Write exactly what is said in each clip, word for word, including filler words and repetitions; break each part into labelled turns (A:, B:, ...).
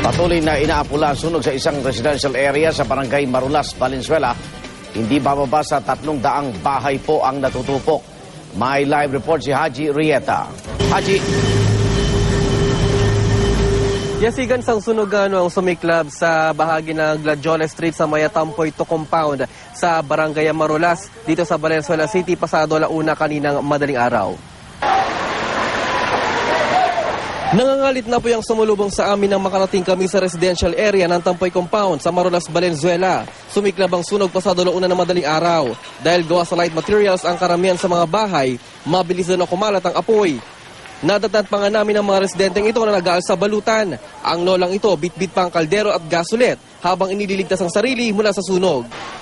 A: Patuloy na inaapula ang sunog sa isang residential area sa barangay Marulas, Valenzuela. Hindi bababa sa tatlong daang bahay po ang natutupok. May live report si Haji Rieta. Haji.
B: Yasigan sang sunog ano ang sumiklab sa bahagi ng Gladiola Street sa Mayatampoy to compound sa barangay Marulas dito sa Valenzuela City pasado alauna kaninang madaling araw. Nangangalit na po yung sumulubong sa amin nang makarating kami sa residential area ng Tampoy Compound sa Marulas, Valenzuela. Sumiklab ang sunog pasado alauna ng madaling araw. Dahil gawa sa light materials ang karamihan sa mga bahay, mabilis na kumalat ang apoy. Nadatnan pa nga namin ang mga residenteng ito na nag-aal sa balutan. Ang lolang ito, bit-bit pa ang kaldero at gasolet habang inililigtas ang sarili mula sa sunog.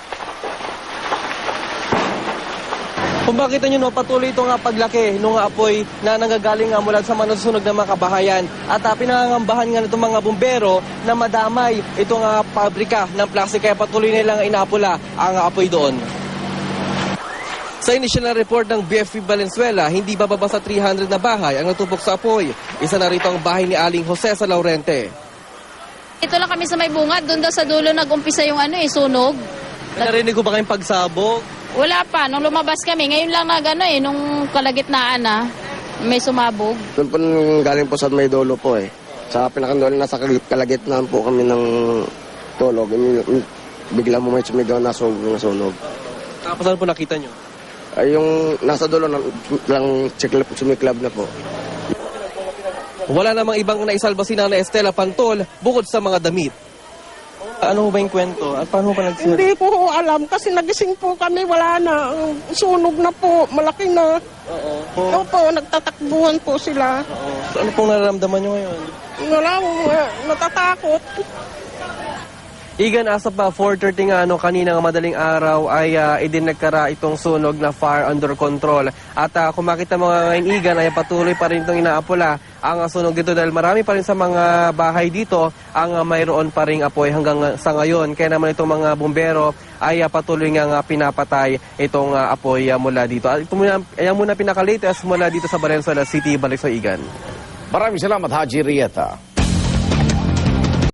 B: Kung makita nyo, no, patuloy ito nga paglaki ng apoy na nanggagaling nga mula sa manusunog ng mga kabahayan. At uh, pinangangambahan nga nitong mga bumbero na madamay itong uh, pabrika ng plastic kaya patuloy nilang inapula ang apoy doon. Sa initial na report ng B F P Valenzuela, hindi bababa sa three hundred na bahay ang natupok sa apoy. Isa na rito ang bahay ni Aling Jose sa Laurente.
C: Ito lang kami sa may bungad, doon daw sa dulo nag-umpisa yung ano eh, sunog.
B: Narinig ko ba kayong pagsabog?
C: Wala pa, nung lumabas kami, ngayon lang nag ano eh, nung kalagitnaan na, may sumabog.
D: Doon po galing po sa may dulo po eh. Sa pinakandolo, nasa kalagitnaan po kami ng tulog. Bigla mo may sumigaw na sunog. sunog.
B: Tapos ano po nakita nyo?
D: Ay yung nasa dulo lang sumiklab na po.
B: Wala namang ibang naisalba si Nana Estela Pantol bukod sa mga damit. Ano ba yung kwento? At paano pa nagsimula?
E: Hindi ko ho alam kasi nagising po kami, wala na. Sunog na po, malaki na.
B: Oo.
E: Oo po, nagtatakbuhan po sila.
B: Oo. So, ano pong nararamdaman nyo ngayon?
E: Wala ho, eh, natatakot.
B: Igan, asa pa four thirty nga ano, kanina madaling araw ay uh, idinagkara itong sunog na fire under control. At uh, kung makita mo nga ngayon, Igan, ay patuloy pa rin itong inaapula ang uh, sunog dito dahil marami pa rin sa mga bahay dito ang uh, mayroon pa rin apoy hanggang uh, sa ngayon. Kaya naman itong mga bumbero ay uh, patuloy nga uh, pinapatay itong uh, apoy uh, mula dito. At ito muna, ayan muna pinaka-latest mula dito sa Valenzuela City. Balik sa Igan.
A: Maraming salamat, Haji Rieta.